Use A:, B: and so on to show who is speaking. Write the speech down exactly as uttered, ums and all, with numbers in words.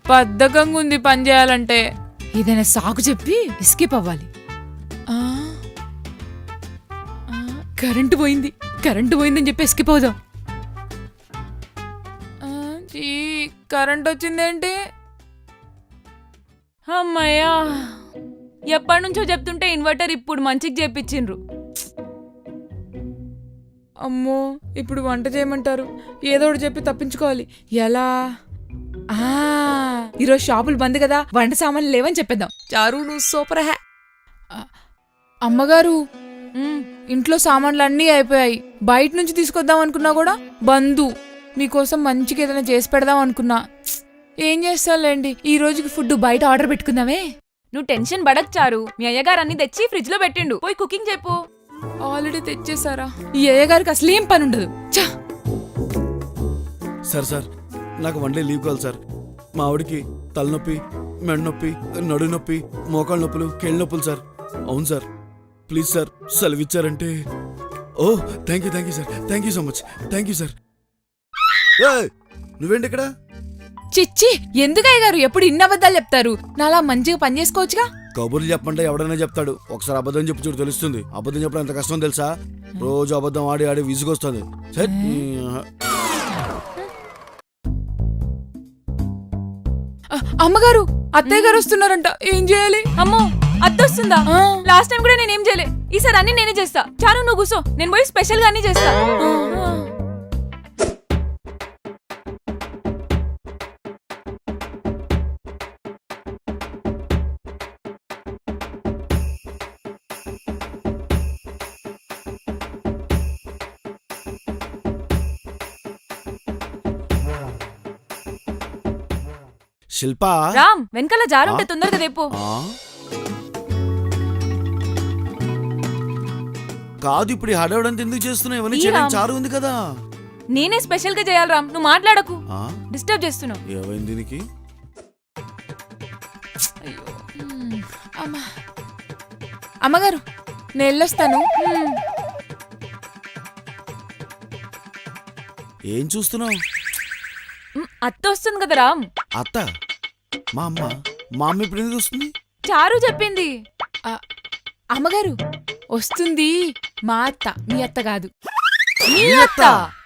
A: బద్ధకంగా ఉంది పని చేయాలంటే. ఏదైనా సాకు చెప్పి ఎస్కేప్ అవ్వాలి. కరెంటు పోయింది కరెంటు పోయిందని చెప్పి ఎస్కేప్ అవుదాం. కరెంట్ వచ్చిందేంటి? అమ్మయ్యా, ఎప్పటి నుంచో చెప్తుంటే ఇన్వర్టర్ ఇప్పుడు మంచికి చేపించిండ్రు. అమ్మో, ఇప్పుడు వంట చేయమంటారు. ఏదో ఒకటి చెప్పి తప్పించుకోవాలి. ఎలా? ఆ ఈరోజు షాపులు బంద్ కదా, వంట సామాన్లు లేవని చెప్పేద్దాం. చారు నువ్వు సూపర్ హ్యా. అమ్మగారు, ఇంట్లో సామాన్లు అన్నీ అయిపోయాయి. బయట నుంచి తీసుకొద్దాం అనుకున్నా కూడా బందు. మీకోసం మంచిగా ఏదైనా చేసి పెడదాం అనుకున్నా. ఏం చేస్తాలేండి, ఈ రోజుకి ఫుడ్ బయట ఆర్డర్ పెట్టుకుందామే.
B: నువ్వు టెన్షన్ పడక్ చారు, మీ అయ్యగారు అన్ని తెచ్చి ఫ్రిడ్జ్ లో పెట్టిండు, పోయి కుకింగ్ చెప్పు.
A: ఆల్రెడీ తెచ్చేసారా? ఈ అయ్యగారికి అసలు ఏం పని ఉండదు.
C: సార్ సార్ నాకు వన్ డే లీవ్ కావాలి సార్. మా ఆవిడికి తలనొప్పి, మెడ నొప్పి, నడు నొప్పి, మోకాళ్ళ నొప్పులు, కేళ్ళ నొప్పులు సార్. అవును సార్, ప్లీజ్ సార్ సెలవు ఇచ్చారంటే. Oh thank you thank you sir, thank you so much, thank you sir. నువ్వేంటి ఇక్కడ?
A: చిచ్చి, ఎందుకు అయ్యగారు ఎప్పుడు ఇన్ని అబద్ధాలు చెప్తారు? నాలా మంచిగా పని చేసుకోవచ్చుగా.
C: కబుర్లు చెప్పంటే ఎవడైనా చెప్తాడు, ఒకసారి అబద్ధం చెప్పు చూడు తెలుస్తుంది. అబద్ధం చెప్పడం ఎంత కష్టం తెలుసా? రోజు అబద్ధం ఆడి ఆడి విసుగొస్తుంది.
A: అమ్మగారు, అత్తయ్య గారు వస్తున్నారంట, ఏం చేయాలి?
B: అమ్మో, అత్తొస్తుందా? లాస్ట్ టైం కూడా నేనేం చేయలే, ఈసారి అన్ని నేనే చేస్తా. చాలు నువ్వు కూసో, నేను పోయి స్పెషల్ గా అన్ని చేస్తా.
C: శిల్పా,
B: రామ్, వెనకాల జారుంటే తొందరగా రేపు.
C: కాదు, ఇప్పుడు హడావుడంతా ఎందుకు చేస్తున్నావు? ఇవన్నీ చేయడానికి చారు ఉంది కదా.
B: నేనే స్పెషల్ గా చేయాలి రామ్, నువ్వు మాట్లాడకు, డిస్టర్బ్ చేస్తున్నావు.
C: ఏమైంది దీనికి?
A: అమ్మగారు, నేను వెళ్ళొస్తాను.
C: ఏం చూస్తున్నావు?
B: అత్త వస్తుంది కదా రామ్.
C: అత్త? మా అమ్మ మా అమ్మ ఇప్పుడు ఎందుకు వస్తుంది?
B: చారు చెప్పింది.
A: అమ్మగారు, వస్తుంది మా అత్త, మీ అత్త కాదు.
B: మీ అత్త?